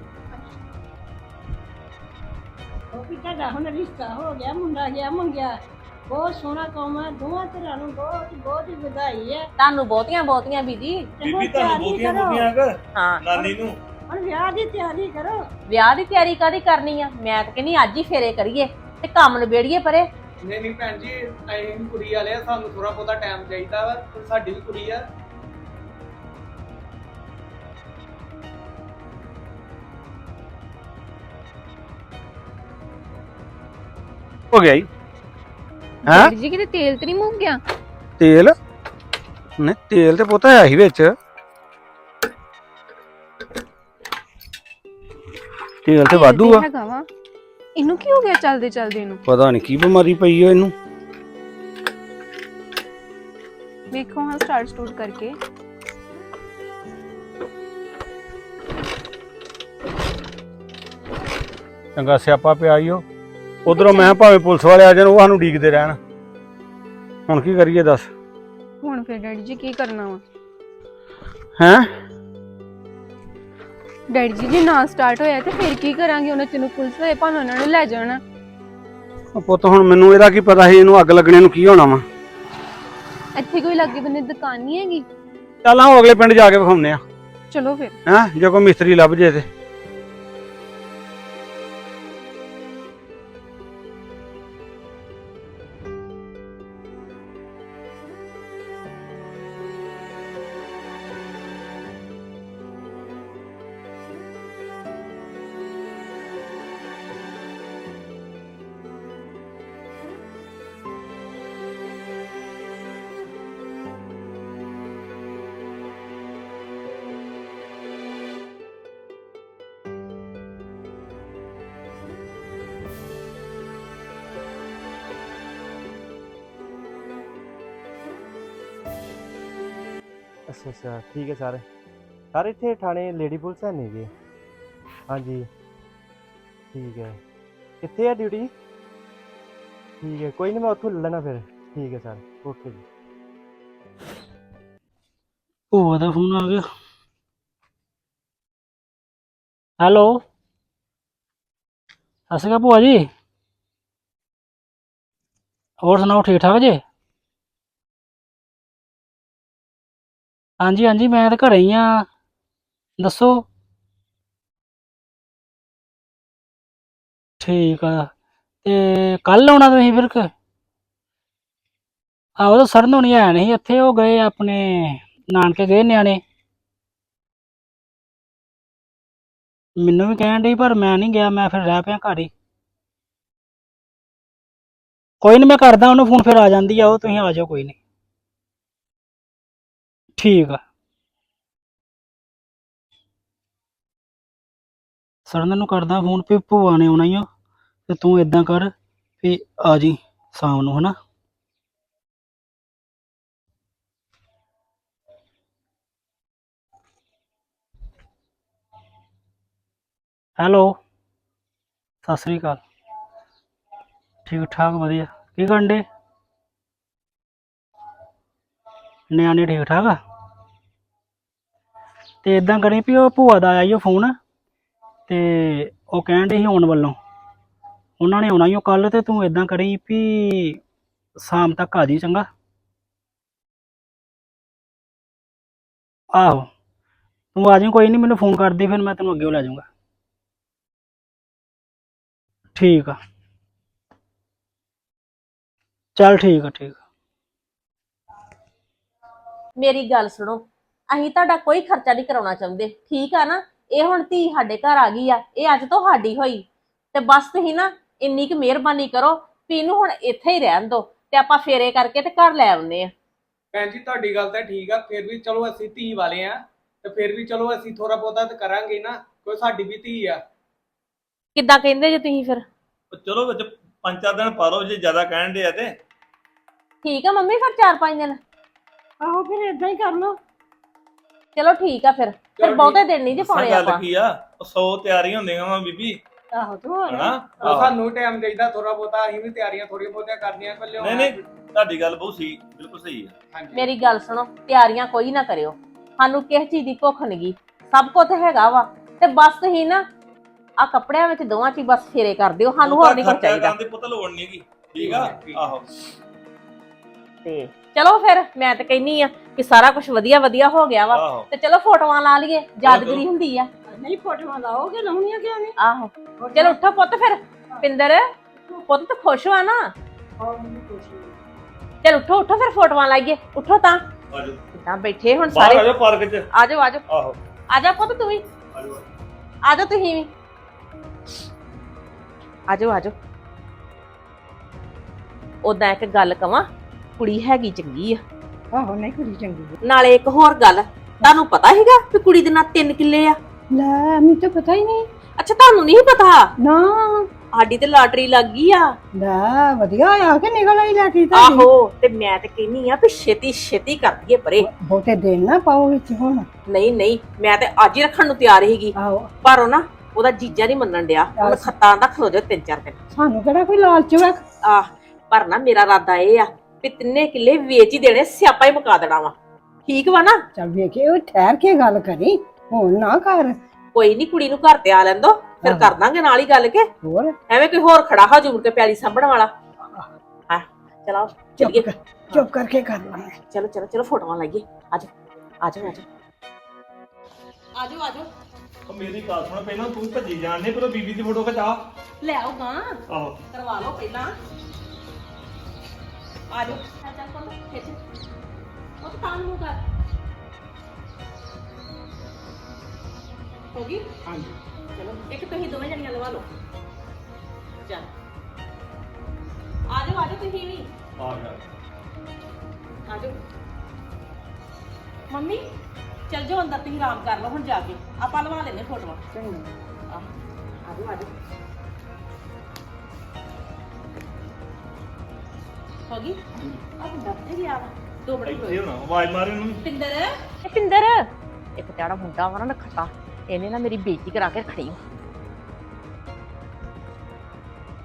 Speaker 8: ਉਹ ਵੀ ਤੁਹਾਡਾ ਹੁਣ ਰਿਸ਼ਤਾ ਹੋ ਗਿਆ, ਮੁੰਡਾ ਗਿਆ ਮੰਗਿਆ, ਬਹੁਤ ਸੋਹਣਾ ਕੰਮ ਹੈ, ਦੋਵਾਂ ਧਿਰਾਂ ਨੂੰ ਬਹੁਤ ਬਹੁਤ ਹੀ ਵਧਾਈ ਹੈ।
Speaker 2: ਤੁਹਾਨੂੰ ਬਹੁਤੀਆਂ ਬਹੁਤੀਆਂ ਬੀਜੀ।
Speaker 6: ਬੀਬੀ ਤੁਹਾਨੂੰ ਬਹੁਤੀਆਂ ਬਹੁਤੀਆਂ
Speaker 2: ਹਾਂ,
Speaker 6: ਨਾਨੀ ਨੂੰ
Speaker 8: ਹੁਣ ਵਿਆਹ ਦੀ ਤਿਆਰੀ ਕਰੋ।
Speaker 2: ਵਿਆਹ ਦੀ ਤਿਆਰੀ ਕਾਹਦੀ ਕਰਨੀ ਆ, ਮੈਂ ਤਾਂ ਕਹਿੰਦੀ ਅੱਜ ਹੀ ਫੇਰੇ ਕਰੀਏ ਤੇ ਕੰਮ ਨਿਬੇੜੀਏ ਪਰੇ।
Speaker 4: ਨਹੀਂ ਭੈਣ ਜੀ, ਅਸੀਂ ਕੁੜੀ ਵਾਲੇ ਆ, ਸਾਨੂੰ ਥੋੜਾ ਬਹੁਤਾ ਟਾਈਮ ਚਾਹੀਦਾ ਵਾ, ਸਾਡੀ ਵੀ ਕੁੜੀ ਆ।
Speaker 6: ਹੋ ਗਿਆ ਜੀ। ਹਾਂ
Speaker 7: ਜੀ ਕਿਤੇ ਤੇਲ ਤੇ ਨਹੀਂ ਮੁੱਕ ਗਿਆ?
Speaker 6: ਤੇਲ ਨਹੀਂ, ਤੇਲ ਤੇ ਪੁੱਤ ਹੈ ਹੀ ਵਿੱਚ, ਤੇਲ ਤੇ ਵਾਧੂ ਆ।
Speaker 7: ਹੈਗਾ ਵਾ, ਇਹਨੂੰ ਕੀ ਹੋ ਗਿਆ ਚੱਲਦੇ ਚੱਲਦੇ ਇਹਨੂੰ?
Speaker 6: ਪਤਾ ਨਹੀਂ ਕੀ ਬਿਮਾਰੀ ਪਈ ਓ ਇਹਨੂੰ।
Speaker 7: ਵੇਖੋ ਹਾਂ ਸਟਾਰਟ ਕਰਕੇ।
Speaker 6: ਚੰਗਾ ਸਿਆਪਾ ਪਿਆ ਈ ਓ। ਉਧਰੋਂ ਮੈਂ ਭਾਵੇਂ ਪੁਲਿਸ ਵਾਲੇ ਆ ਜਾਣ, ਉਹ ਸਾਨੂੰ ਡੀਕਦੇ ਰਹਿਣ। ਹੁਣ ਕੀ ਕਰੀਏ ਦੱਸ?
Speaker 7: ਹੁਣ ਫਿਰ ਡੈਡੀ ਜੀ ਕੀ ਕਰਨਾ ਵਾ?
Speaker 6: ਹੈਂ
Speaker 7: ਡੈਡੀ ਜੀ ਜੇ ਨਾ ਸਟਾਰਟ ਹੋਇਆ ਤੇ ਫਿਰ ਕੀ ਕਰਾਂਗੇ? ਉਹਨਾਂ ਚ ਨੂੰ ਪੁਲਿਸ ਵਾਲੇ ਭਾਵੇਂ ਉਹਨਾਂ ਨੂੰ ਲੈ ਜਾਣਾ।
Speaker 6: ਪੁੱਤ ਹੁਣ ਮੈਨੂੰ ਇਹਦਾ ਕੀ ਪਤਾ ਸੀ ਇਹਨੂੰ ਅੱਗ ਲੱਗਣੇ ਨੂੰ ਕੀ ਹੋਣਾ ਵਾ।
Speaker 7: ਇੱਥੇ ਕੋਈ ਲਾਗੇ ਬੰਨੇ ਦੁਕਾਨ ਨਹੀਂ ਹੈਗੀ?
Speaker 6: ਚੱਲ ਆਓ ਅਗਲੇ ਪਿੰਡ ਜਾ ਕੇ ਵਿਖਾਉਂਦੇ ਆ।
Speaker 7: ਚਲੋ ਫਿਰ।
Speaker 6: ਹੈਂ ਜੇ ਕੋਈ ਮਿਸਤਰੀ ਲੱਭ ਜੇ ਤੇ।
Speaker 5: ਅੱਛਾ ਅੱਛਾ, ਠੀਕ ਹੈ ਸਰ। ਸਰ ਇੱਥੇ ਥਾਣੇ ਲੇਡੀ ਪੁਲਿਸ ਹੈ ਨਹੀਂ ਜੀ? ਹਾਂਜੀ ਠੀਕ ਹੈ। ਕਿੱਥੇ ਹੈ ਡਿਊਟੀ? ਠੀਕ ਹੈ, ਕੋਈ ਨਹੀਂ ਮੈਂ ਉੱਥੋਂ ਲੈ ਲੈਣਾ ਫਿਰ। ਠੀਕ ਹੈ ਸਰ, ਓਕੇ ਜੀ।
Speaker 1: ਭੂਆ ਦਾ ਫੋਨ ਆ ਗਿਆ। ਹੈਲੋ, ਸਤਿ ਸ਼੍ਰੀ ਅਕਾਲ ਭੂਆ ਜੀ। ਹੋਰ ਸੁਣਾਓ, ਠੀਕ ਠਾਕ ਜੇ? ਹਾਂਜੀ ਹਾਂਜੀ, ਮੈਂ ਤਾਂ ਘਰੇ ਹੀ ਆ। ਦੱਸੋ। ਠੀਕ ਆ, ਤੇ ਕੱਲ ਆਉਣਾ ਤੁਸੀਂ ਫਿਰ ਆਹੋ ਤਾਂ ਸਰਨ ਹੋਣੀ ਹੈ ਨਹੀਂ ਇੱਥੇ, ਉਹ ਗਏ ਆਪਣੇ ਨਾਨਕੇ ਗਏ ਨਿਆਣੇ। ਮੈਨੂੰ ਵੀ ਕਹਿਣ ਡਈ ਪਰ ਮੈਂ ਨਹੀਂ ਗਿਆ, ਮੈਂ ਫਿਰ ਰਹਿ ਪਿਆ ਘਰ ਹੀ। ਕੋਈ ਨਹੀਂ, ਮੈਂ ਕਰਦਾ ਉਹਨੂੰ ਫੋਨ, ਫਿਰ ਆ ਜਾਂਦੀ ਆ ਉਹ, ਤੁਸੀਂ ਆ ਜਾਓ ਕੋਈ ਨਹੀਂ। ਠੀਕ ਆ। ਸਰਨ ਨੂੰ ਕਰਦਾ ਫੋਨ ਵੀ ਭੂਆ ਨੇ ਆਉਣਾ ਹੀ ਆ, ਤੇ ਤੂੰ ਇਦਾਂ ਕਰ ਵੀ ਆ ਜੀ ਸ਼ਾਮ ਨੂੰ, ਹਨਾ। ਹੈਲੋ, ਸਤਿ ਸ੍ਰੀ ਅਕਾਲ। ਠੀਕ ਠਾਕ, ਵਧੀਆ। ਕੀ ਕਰਨ ਡੇ? ਨਿਆਣੇ ਠੀਕ ਠਾਕ ਆ? ਤੇ ਇਦਾਂ ਕਰੀ ਵੀ ਉਹ ਭੂਆ ਦਾ ਆਇਆ ਈ ਉਹ ਫੋਨ, ਤੇ ਉਹ ਕਹਿਣ ਡੇ ਸੀ ਆਉਣ ਵੱਲੋਂ, ਉਹਨਾਂ ਨੇ ਆਉਣਾ ਹੀ ਉਹ ਕੱਲ, ਤੇ ਤੂੰ ਇਦਾਂ ਕਰੀ ਵੀ ਸ਼ਾਮ ਤੱਕ ਆ ਜੀ, ਚੰਗਾ। ਆਹੋ, ਤੂੰ ਆ ਜਾਈਂ, ਕੋਈ ਨਹੀਂ, ਮੈਨੂੰ ਫੋਨ ਕਰਦੀ, ਫਿਰ ਮੈਂ ਤੈਨੂੰ ਅੱਗੇ ਲੈ ਜਾਊਂਗਾ। ਠੀਕ ਆ, ਚੱਲ ਠੀਕ ਆ, ਠੀਕ ਆ।
Speaker 2: ਮੇਰੀ ਗੱਲ ਸੁਣੋ, ਅਸੀਂ ਤੁਹਾਡਾ ਕੋਈ ਖਰਚਾ ਨਹੀਂ ਕਰਾਉਣਾ ਚਾਹੁੰਦੇ, ਠੀਕ ਆ ਨਾ। ਇਹ ਹੁਣ ਧੀ ਸਾਡੇ ਘਰ ਆ ਗਈ ਆ, ਇਹ ਅੱਜ ਤੋਂ ਸਾਡੀ ਹੋਈ, ਤੇ ਬਸ ਤੁਸੀਂ ਨਾ ਇੰਨੀ ਕੁ ਮਿਹਰਬਾਨੀ ਕਰੋ ਵੀ ਇਹਨੂੰ ਹੁਣ ਇੱਥੇ ਹੀ ਰਹਿਣ ਦਿਓ, ਤੇ ਆਪਾਂ ਫੇਰੇ ਕਰਕੇ ਤੇ ਘਰ ਲੈ ਆਉਂਦੇ ਆ।
Speaker 4: ਭੈਣ ਜੀ ਤੁਹਾਡੀ ਗੱਲ ਤਾਂ ਠੀਕ ਆ, ਫਿਰ ਵੀ ਚਲੋ ਅਸੀਂ ਧੀ ਵਾਲੇ ਆ, ਤੇ ਫਿਰ ਵੀ ਚਲੋ ਅਸੀਂ ਥੋੜਾ ਬਹੁਤਾ ਤਾਂ ਕਰਾਂਗੇ ਨਾ, ਕੋਈ ਸਾਡੀ ਵੀ ਧੀ ਆ।
Speaker 2: ਕਿੱਦਾਂ ਕਹਿੰਦੇ ਜੇ ਤੁਸੀਂ ਫਿਰ?
Speaker 3: ਚਲੋ ਵਿੱਚ 5-4 ਦਿਨ ਪਾ ਲਓ ਜੇ ਜ਼ਿਆਦਾ ਕਹਿਣ ਦੇ ਆ ਤੇ।
Speaker 2: ਠੀਕ ਆ ਮੰਮੀ, ਫਿਰ 4-5 ਦਿਨ।
Speaker 8: ਆਹੋ ਫਿਰ ਏਦਾਂ ਹੀ ਕਰ ਲਓ।
Speaker 2: ਚਲੋ ਠੀਕ ਆ, ਫਿਰ
Speaker 4: ਚਲੋ
Speaker 2: ਬਹੁਤੇ ਦਿਨ ਨਹੀਂ ਜੇ
Speaker 3: ਦੱਸਾਂ
Speaker 2: ਪਾਉਣੇ
Speaker 3: ਗੱਲ
Speaker 2: ਆਪਾਂ।
Speaker 3: ਕੀ ਆ, 100 ਤਿਆਰੀਆਂ ਹੁੰਦੀਆਂ ਵਾ ਬੀਬੀ,
Speaker 8: ਆਹੋ ਤੂੰ ਹੋਰ
Speaker 3: ਹਨਾ।
Speaker 4: ਉਹ ਸਾਨੂੰ ਟਾਈਮ ਚਾਹੀਦਾ ਥੋੜਾ ਬਹੁਤਾ, ਅਸੀਂ ਵੀ ਤਿਆਰੀਆਂ ਥੋੜੀਆਂ ਬਹੁਤੀਆਂ ਕਰਨੀਆਂ ਪਹਿਲੇ।
Speaker 3: ਨਹੀਂ ਨਹੀਂ, ਤੁਹਾਡੀ ਗੱਲ ਬਹੁਤ ਸਹੀ, ਬਿਲਕੁਲ ਸਹੀ ਆ।
Speaker 4: ਹਾਂਜੀ
Speaker 2: ਮੇਰੀ ਗੱਲ ਸੁਣੋ, ਤਿਆਰੀਆਂ ਕੋਈ ਨਾ ਕਰਿਓ, ਸਾਨੂੰ ਕਿਸੇ ਚੀਜ਼ ਦੀ ਭੁੱਖ ਨਹੀਂਗੀ, ਸਭ ਕੁਝ ਹੈਗਾ ਵਾ, ਤੇ ਬਸ ਤੁਸੀਂ ਨਾ ਆ ਕੱਪੜਿਆਂ ਵਿੱਚ ਦੋਵਾਂ ਚ ਬਸ ਫੇਰੇ ਕਰ ਦਿਓ, ਸਾਨੂੰ ਹੋਰ ਨਹੀਂ ਕੁਝ ਚਾਹੀਦਾ।
Speaker 3: ਦੀ ਪੁੱਤ ਲੋੜ ਨਹੀਂ ਗੀ, ਠੀਕ ਆ। ਆਹੋ,
Speaker 2: ਤੇ ਚਲੋ ਫਿਰ ਮੈਂ ਤਾਂ ਕਹਿੰਨੀ ਆ ਕਿ ਸਾਰਾ ਕੁਝ ਵਧੀਆ ਵਧੀਆ ਹੋ ਗਿਆ ਵਾ,
Speaker 3: ਆਹੋ।
Speaker 2: ਤੇ ਚਲੋ ਫੋਟੋਆਂ ਲਾ ਲਈਏ, ਯਾਦਗਿਰੀ ਹੁੰਦੀ ਆ।
Speaker 8: ਨਹੀਂ ਫੋਟੋਆਂ ਲਾਓਗੇ, ਲਾਉਣੀਆਂ ਕਿਉਂ ਨਹੀਂ?
Speaker 2: ਆਹੋ, ਚਲੋ ਉੱਠੋ ਪੁੱਤ, ਫਿਰ ਪਿੰਦਰ ਪੁੱਤ ਤੂੰ ਖੁਸ਼ ਹੋਆ ਨਾ? ਚਲ ਉੱਠੋ ਉੱਠੋ, ਫਿਰ ਫੋਟੋਆਂ ਲਾਈਏ, ਉੱਠੋ ਤਾਂ।
Speaker 3: ਆਜੋ
Speaker 2: ਕਿੱਦਾਂ ਬੈਠੇ ਹੁਣ
Speaker 3: ਬਾਹਰ
Speaker 2: ਸਾਰੇ?
Speaker 3: ਆਜੋ ਪਾਰਕ 'ਚ।
Speaker 2: ਆਜੋ ਆਜੋ
Speaker 3: ਆਹੋ,
Speaker 2: ਆਜਾ ਪੁੱਤ, ਤੂੰ ਵੀ
Speaker 3: ਆਜੋ।
Speaker 2: ਆਜੋ, ਤੁਸੀਂ ਵੀ ਆਜੋ ਆਜੋ। ਉਦਾਂ ਇੱਕ ਗੱਲ ਕਵਾਂ, ਕੁੜੀ ਹੈਗੀ ਚੰਗੀ ਆ।
Speaker 8: ਆਹੋ ਨਹੀਂ ਕੁੜੀ ਚੰਗੀ ਹੈ।
Speaker 2: ਨਾਲੇ ਇੱਕ ਹੋਰ ਗੱਲ, ਤੁਹਾਨੂੰ ਪਤਾ ਹੈਗਾ ਕਿ ਕੁੜੀ ਦੇ ਨਾਲ 3 ਕਿੱਲੇ ਆ?
Speaker 8: ਲੈ ਮੈਨੂੰ ਤਾਂ ਪਤਾ ਹੀ ਨਹੀਂ।
Speaker 2: ਅੱਛਾ, ਤੁਹਾਨੂੰ ਨਹੀਂ ਪਤਾ?
Speaker 8: ਨਾ
Speaker 2: ਸਾਡੀ ਤੇ ਲਾਟਰੀ ਲੱਗ ਗਈ ਆ।
Speaker 8: ਲੈ ਵਧੀਆ ਆ ਕੇ ਨਿਕਲ ਆਈ ਲਾਟਰੀ ਤਾਂ।
Speaker 2: ਆਹੋ, ਤੇ ਮੈਂ ਤੇ ਕਹਿੰਨੀ ਆ ਵੀ ਛੇਤੀ ਛੇਤੀ ਕਰ ਦਈਏ ਪਰੇ।
Speaker 8: ਬਹੁਤੇ ਦਿਨ ਨਾ ਪਾਓ ਵਿੱਚ ਹੁਣ।
Speaker 2: ਨਹੀਂ ਨਹੀਂ, ਮੈਂ ਤੇ ਅੱਜ ਹੀ ਰੱਖਣ ਨੂੰ ਤਿਆਰ ਸੀਗੀ,
Speaker 8: ਆਹੋ
Speaker 2: ਪਰ ਉਹ ਨਾ ਉਹਦਾ ਜੀਜਾ ਨਹੀਂ ਮੰਨਣ ਡਿਆ, ਉਹਨੇ ਖੱਤਾਂ ਦਾ ਖਲੋ ਜਾ 3-4 ਦਿਨ।
Speaker 8: ਸਾਨੂੰ ਕਿਹੜਾ ਕੋਈ ਲਾਲਚ ਵਾ।
Speaker 2: ਆਹ, ਪਰ ਨਾ ਮੇਰਾ ਇਰਾਦਾ ਇਹ ਆ ਵੀ 3 ਕਿੱਲੇ ਵੇਚ ਹੀ ਦੇਣੇ, ਸਿਆਪਾ ਹੀ ਮੁਕਾ ਦੇਣਾ ਵਾ, ਠੀਕ ਵਾ ਨਾ?
Speaker 8: ਚੱਲ ਵੇਖੇ, ਉਹ ਠਹਿਰ ਕੇ ਗੱਲ ਕਰੀ, ਹੁਣ ਨਾ ਕਰ।
Speaker 2: ਕੋਈ ਨਹੀਂ, ਕੁੜੀ ਨੂੰ ਘਰ ਤੇ ਆ ਲੈਂਦੋ, ਫਿਰ ਕਰ ਦਾਂਗੇ ਨਾਲ ਹੀ ਗੱਲ ਕੇ।
Speaker 8: ਹੋਰ
Speaker 2: ਐਵੇਂ ਕੋਈ ਹੋਰ ਖੜਾ ਹੋ ਜੂਰ ਕੇ ਪਿਆਲੀ ਸਾਂਭਣ ਵਾਲਾ। ਹਾਂ ਚਲੋ ਚੱਲੀਏ।
Speaker 8: ਚੁੱਪ ਕਰਕੇ ਕਰ ਲਾਂਗੇ।
Speaker 2: ਚਲੋ ਚਲੋ ਚਲੋ, ਫੋਟੋਆਂ ਲਾਈਏ। ਆਜੋ ਆਜੋ ਆਜੋ ਆਜੋ ਆਜੋ।
Speaker 3: ਉਹ ਮੇਰੀ ਗੱਲ ਸੁਣ, ਪਹਿਲਾਂ ਤੂੰ ਭੱਜੀ ਜਾਣਦੇ, ਪਰ ਬੀਬੀ ਦੀ ਫੋਟੋ ਖਿਚਾ।
Speaker 2: ਲੈ ਆਓ ਗਾਂ,
Speaker 3: ਆਹੋ,
Speaker 2: ਕਰਵਾ ਲਓ ਪਹਿਲਾਂ। ਆਜੋ ਚੱਲ ਕੋਲ ਖਿੱਚ, ਉਹ ਤਾਂ ਤਾਂ ਨੂੰ ਕਰ ਹੋ ਗਈ।
Speaker 4: ਹਾਂਜੀ
Speaker 2: ਚਲੋ ਇੱਕ ਤੁਸੀਂ ਦੋਵੇਂ ਜਣੀਆਂ ਲਵਾ ਲਓ। ਚੱਲ ਆਜੋ ਆਜੋ, ਤੁਸੀਂ ਵੀ
Speaker 3: ਆ ਗਿਆ।
Speaker 2: ਆਜੋ। ਮੰਮੀ ਚੱਲ ਜਾਓ ਅੰਦਰ, ਤੁਸੀਂ ਆਰਾਮ ਕਰ ਲਓ ਹੁਣ ਜਾ ਕੇ, ਆਪਾਂ ਲਵਾ ਲੈਨੇ ਫੋਟੋਆਂ।
Speaker 8: ਚੰਗਾ
Speaker 2: ਆਜੋ ਆਜੋ। ਹੋ ਗਈ? ਆ ਮੁੰਡਾ ਕਿੱਥੇ ਗਿਆ ਵਾ? 2 ਮਿੰਟ
Speaker 3: ਇੱਥੇ ਹੋਣਾ, ਆਵਾਜ਼ ਮਾਰ ਇਹਨੂੰ।
Speaker 2: ਪਿੰਦਰ, ਇਹ ਪਿੰਦਰ, ਇੱਕ ਤੇੜਾ ਮੁੰਡਾ ਵਾ ਨਾ ਖੱਤਾ, ਇਹਨੇ ਨਾ ਮੇਰੀ ਬੇਇੱਜ਼ਤੀ ਕਰਾ ਕੇ ਖੜੀ।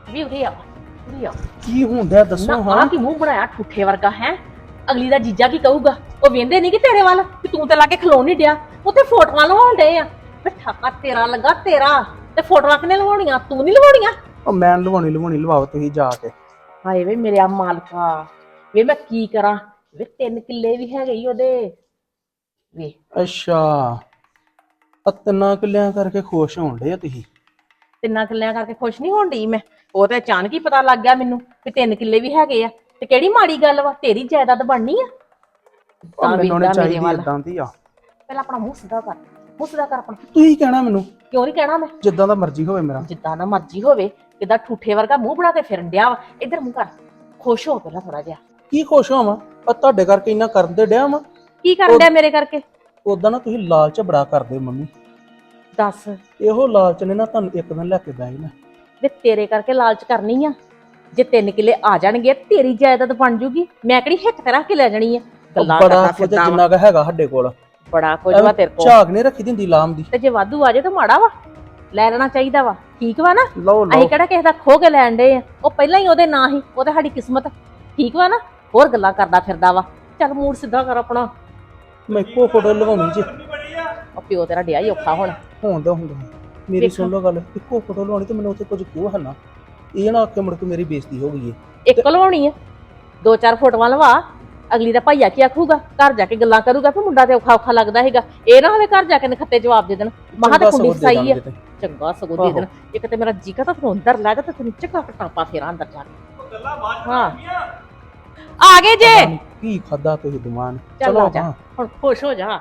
Speaker 2: ਵੀ ਉਰੇ ਆ ਉਰੇ ਆ
Speaker 9: ਕੀ ਹੁੰਦਾ ਦੱਸੋ
Speaker 2: ਨਾ
Speaker 9: ਹਾਂ
Speaker 2: ਆ ਕੀ ਮੂੰਹ ਬਣਾਇਆ ਠੁੱਠੇ ਵਰਗਾ ਹੈ। ਅਗਲੀ ਦਾ ਜੀਜਾ ਕੀ ਕਹੂਗਾ? ਉਹ ਵੇਂਦੇ ਨਹੀਂ ਕਿ ਤੇਰੇ ਵੱਲ ਕਿ ਤੂੰ ਤੇ ਲਾ ਕੇ ਖਲੋ ਨਹੀਂ ਡਿਆ, ਉੱਥੇ ਫੋਟੋਆਂ ਲਵਾਉਣ ਡੇ ਆ। ਵੇ ਠਾਕਾ ਤੇਰਾ ਲੱਗਾ ਤੇਰਾ, ਤੇ ਫੋਟੋਆਂ ਕਿਨੇ ਲਵਾਉਣੀਆਂ? ਤੂੰ ਨਹੀਂ ਲਵਾਉਣੀਆਂ।
Speaker 9: ਉਹ ਮੈਂ ਲਵਾਉਣੀ ਲਵਾਓ ਤੁਸੀਂ ਜਾ ਕੇ।
Speaker 2: ਹਾਏ ਵੇ ਮੇਰੇ ਆ ਮਾਲਕਾ, ਵੇ ਮੈਂ ਕੀ ਕਰਾਂ? ਵੇ 3 ਕਿੱਲੇ ਵੀ ਹੈਗੇ ਈ ਉਹਦੇ। ਵੇ
Speaker 9: ਅੱਛਾ ਆ 3 ਕਿੱਲਿਆਂ ਕਰਕੇ ਖੁਸ਼ ਹੋਣ ਡੇ ਆ ਤੁਸੀਂ?
Speaker 2: 3 ਕਿੱਲਿਆਂ ਕਰਕੇ ਖੁਸ਼ ਨਹੀਂ ਹੋਣ ਡਈ ਮੈਂ। ਉਹ ਤੇ ਅਚਾਨਕ ਹੀ ਪਤਾ ਲੱਗ ਗਿਆ ਮੈਨੂੰ ਕਿ 3 ਕਿੱਲੇ ਵੀ ਹੈਗੇ ਆ। ਤੇ ਕਿਹੜੀ ਮਾੜੀ ਗੱਲ ਵਾ? ਤੇਰੀ ਜਾਇਦਾਦ ਬਣਨੀ ਆ।
Speaker 9: ਉਹ ਮੈਨੂੰ ਨਹੀਂ ਚਾਹੀਦੀ ਇਦਾਂ ਦੀ ਆ।
Speaker 2: ਪਹਿਲਾਂ ਆਪਣਾ ਮੂੰਹ ਸਿੱਧਾ ਕਰ, ਮੂੰਹ ਸਿੱਧਾ ਕਰ ਆਪਣਾ।
Speaker 9: ਤੁਸੀਂ ਕਹਿਣਾ ਮੈਨੂੰ?
Speaker 2: ਕਿਉਂ ਨਹੀਂ ਕਹਿਣਾ ਮੈਂ?
Speaker 9: ਜਿੱਦਾਂ ਦਾ ਮਰਜ਼ੀ ਹੋਵੇ ਮੇਰਾ।
Speaker 2: ਜਿੱਦਾਂ ਦਾ ਮਰਜ਼ੀ ਹੋਵੇ। ਕਿੱਦਾਂ ਠੂਠੇ ਵਰਗਾ ਮੂੰਹ ਬਣਾ ਕੇ ਫਿਰਨ ਡਿਆ ਵਾ। ਇੱਧਰ ਮੂੰਹ ਕਰ, ਖੁਸ਼ ਹੋ ਪਹਿਲਾਂ ਥੋੜਾ ਜਿਹਾ।
Speaker 9: ਕੀ ਖੁਸ਼ ਹੋਵਾਂ? ਆ ਤੁਹਾਡੇ ਕਰਕੇ ਇੰਨਾ ਕਰਨ ਦੇ ਡਿਆ ਵਾ।
Speaker 2: ਕੀ ਕਰਨ ਡਿਆ ਮੇਰੇ ਕਰਕੇ?
Speaker 9: ਉਦਾਂ ਨਾ ਤੁਸੀਂ ਲਾਲਚ ਬੜਾ ਕਰਦੇ ਮੰਮੀ।
Speaker 2: ਦੱਸ
Speaker 9: ਇਹੋ ਲਾਲਚ ਨੇ ਨਾ ਤੁਹਾਨੂੰ ਇੱਕ ਦਿਨ ਲੈ ਕੇ ਬਹਿ ਜਾਣਾ।
Speaker 2: ਵੇ ਤੇਰੇ ਕਰਕੇ ਲਾਲਚ ਕਰਨੀ ਆ। ਜੇ 3 ਕਿੱਲੇ ਆ ਜਾਣਗੇ ਤੇਰੀ ਜਾਇਦਾਦ ਬਣ ਜੂਗੀ। ਮੈਂ ਕਿਹੜੀ ਹਿੱਕ ਤੇ ਰੱਖ ਕੇ ਲੈ ਜਾਣੀ ਆ? ਗੱਲਾਂ
Speaker 9: ਬੜਾ
Speaker 2: ਕਰਦਾ
Speaker 9: ਕੁਝ
Speaker 2: ਫਿਰਦਾ ਵਾ।
Speaker 9: ਜਿੰਨਾ ਕੁ ਹੈਗਾ ਸਾਡੇ ਕੋਲ।
Speaker 2: ਬੜਾ ਕੁਝ ਵਾ ਤੇਰੇ ਕੋਲ।
Speaker 9: ਝਾਗ ਨਹੀਂ ਰੱਖੀ ਦਿੰਦੀ ਲਾਮ ਦੀ।
Speaker 2: ਤੇ ਜੇ ਵਾਧੂ ਆ ਜਾਏ ਤਾਂ ਮਾੜਾ ਵਾ, ਲੈ ਲੈਣਾ ਚਾਹੀਦਾ ਵਾ। ਠੀਕ ਵਾ ਨਾ?
Speaker 9: ਲਓ ਲਓ
Speaker 2: ਅਸੀਂ ਕਿਹੜਾ ਕਿਸੇ ਦਾ ਖੋ ਕੇ ਲੈਣ ਡੇ ਆ? ਉਹ ਪਹਿਲਾਂ ਹੀ ਉਹਦੇ ਨਾਂ ਹੀ, ਉਹ ਤਾਂ ਸਾਡੀ ਕਿਸਮਤ। ਠੀਕ ਵਾ ਨਾ? ਹੋਰ ਗੱਲਾਂ ਕਰਦਾ ਫਿਰਦਾ ਵਾ। ਚੱਲ ਮੂਡ ਸਿੱਧਾ ਕਰ ਆਪਣਾ।
Speaker 9: ਮੈਂ ਇੱਕੋ ਫੋਟੋ ਲਵਾਉਣੀ ਜੀ।
Speaker 2: ਉਹ ਪਿਓ ਤੇਰਾ ਡਿਆ ਹੀ ਔਖਾ ਹੁਣ।
Speaker 9: ਹੁੰਦਾ ਮੇਰੀ ਸੁਣ ਲਓ ਗੱਲ। ਇੱਕੋ ਫੋਟੋ ਲਵਾਉਣੀ ਤੇ ਮੈਨੂੰ ਉੱਥੇ ਕੁਝ ਕਿਉਂ ਹਨਾ? ਇਹ ਨਾ ਆਖੇ ਮੁੜ ਕੇ ਮੇਰੀ ਬੇਇੱਜ਼ਤੀ ਹੋ ਗਈ ਹੈ।
Speaker 2: ਇੱਕ ਲਵਾਉਣੀ ਆ, 2-4 ਫੋਟੋਆਂ ਲਵਾ। ਅਗਲੀ ਦਾ ਭਾਈਆ ਕੀ ਆਖੂਗਾ? ਘਰ ਜਾ ਕੇ ਗੱਲਾਂ ਕਰੂਗਾ ਕਿ ਮੁੰਡਾ ਤੇ ਔਖਾ ਔਖਾ ਲੱਗਦਾ ਹੈਗਾ। ਇਹ ਨਾ ਹੋਵੇ ਘਰ ਜਾ ਕੇ ਨਖੱਤੇ ਜਵਾਬ ਦੇ ਦੇਣ, ਮਹਾਂ ਤੇ ਕੁੰਡੀ ਫਸਾਈ ਆ। ਚੰਗਾ ਸਗੋਂ ਦੇ ਦੇਣ। ਇੱਕ ਤੇ ਮੇਰਾ ਜੀ ਕਰਦਾ ਤੈਨੂੰ ਅੰਦਰ ਲੈ ਜਾ ਤੇ ਤੈਨੂੰ ਚੱਕਾ ਟਾਪਾ ਫੇਰਾ ਅੰਦਰ ਜਾ ਕੇ। ਹਾਂ ਆ ਗਏ ਜੇ।
Speaker 9: ਕੀ ਖਾਦਾ ਤੁਸੀਂ ਦਿਮਾਨ?
Speaker 2: ਚੱਲ
Speaker 9: ਚਲੋ
Speaker 2: ਆ ਜਾ ਹੁਣ, ਖੁਸ਼ ਹੋ ਜਾ।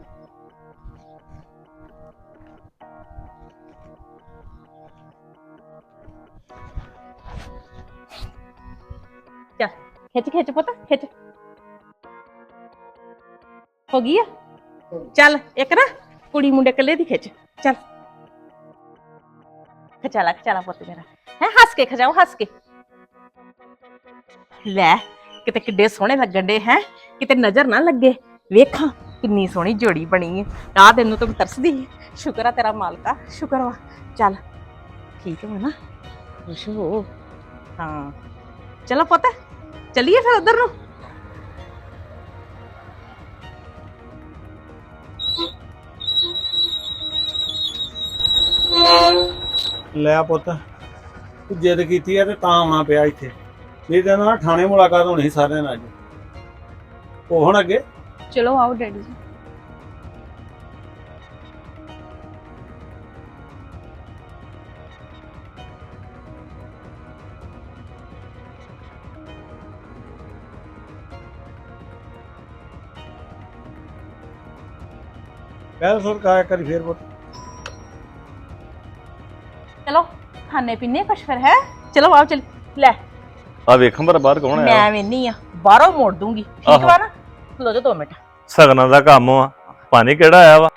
Speaker 2: ਚੱਲ ਖਿੱਚ ਖਿੱਚ ਪੁੱਤ ਖਿੱਚ। ਹੋ ਗਈ ਆ? ਚੱਲ ਇੱਕ ਨਾ ਕੁੜੀ ਮੁੰਡੇ ਇਕੱਲੇ ਦੀ ਖਿੱਚ। ਚੱਲ ਖਚਾਲਾ ਪੁੱਤ ਮੇਰਾ ਹੈ। ਹੱਸ ਕੇ ਖਜਾਓ, ਹੱਸ ਕੇ। ਲੈ ਕਿਤੇ ਕਿੱਡੇ ਸੋਹਣੇ ਲੱਗਣ ਡੇ ਹੈ। ਕਿਤੇ ਨਜ਼ਰ ਨਾ ਲੱਗੇ। ਵੇਖਾਂ ਕਿੰਨੀ ਸੋਹਣੀ ਜੋੜੀ ਬਣੀ ਹੈ। ਆਹ ਤੈਨੂੰ ਤਾਂ ਤਰਸਦੀ ਹੈ। ਸ਼ੁਕਰ ਆ ਤੇਰਾ ਮਾਲਕਾ, ਸ਼ੁਕਰ ਵਾ। ਚੱਲ ਠੀਕ ਵਾ ਨਾ? ਖੁਸ਼ ਹੋ। ਹਾਂ ਚਲੋ ਪੁੱਤ ਚੱਲੀਏ ਫਿਰ ਉਧਰ ਨੂੰ।
Speaker 6: ਲੈ ਪੁੱਤ ਤੂੰ ਜਿੱਦ ਕੀਤੀ ਆ ਤੇ ਤਾਂ ਆਉਣਾ ਪਿਆ ਇੱਥੇ। ਨਹੀਂ ਤਾਂ ਨਾ ਥਾਣੇ ਮੁਲਾਕਾਤ ਹੋਣੀ ਸੀ ਸਾਰਿਆਂ ਨਾਲ ਅੱਜ। ਉਹ ਹੁਣ ਅੱਗੇ
Speaker 7: ਚਲੋ ਆਓ ਡੈਡੀ ਜੀ।
Speaker 6: ਪਹਿਲ ਸੁਰ ਕਾ ਕਰੀ ਫੇਰ ਪੁੱਤ।
Speaker 2: ਚਲੋ ਖਾਣੇ ਪੀਣੇ ਕੁਛ ਫਿਰ ਹੈ। ਚਲੋ ਆਓ ਚੱਲ। ਲੈ
Speaker 3: ਆ ਵੇਖਾਂ ਪਰ ਬਾਹਰ ਕੌਣ ਆਇਆ?
Speaker 2: ਮੈਂ ਵੇਨੀ ਆ, ਬਾਹਰੋਂ ਮੋੜ ਦੂੰਗੀ। ਠੀਕ ਵਾ ਨਾ? ਖਲੋ ਜਾ 2 ਮਿੰਟ।
Speaker 3: ਸਗਨਾਂ ਦਾ ਕੰਮ ਆ, ਪਾਣੀ ਕਿਹੜਾ ਆਇਆ ਵਾ?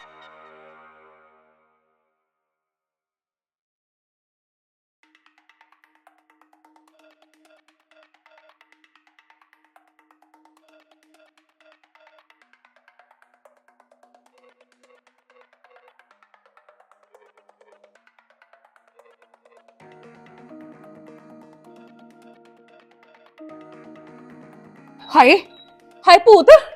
Speaker 2: ਹਾਏ ਹਾਏ ਭੂਤ।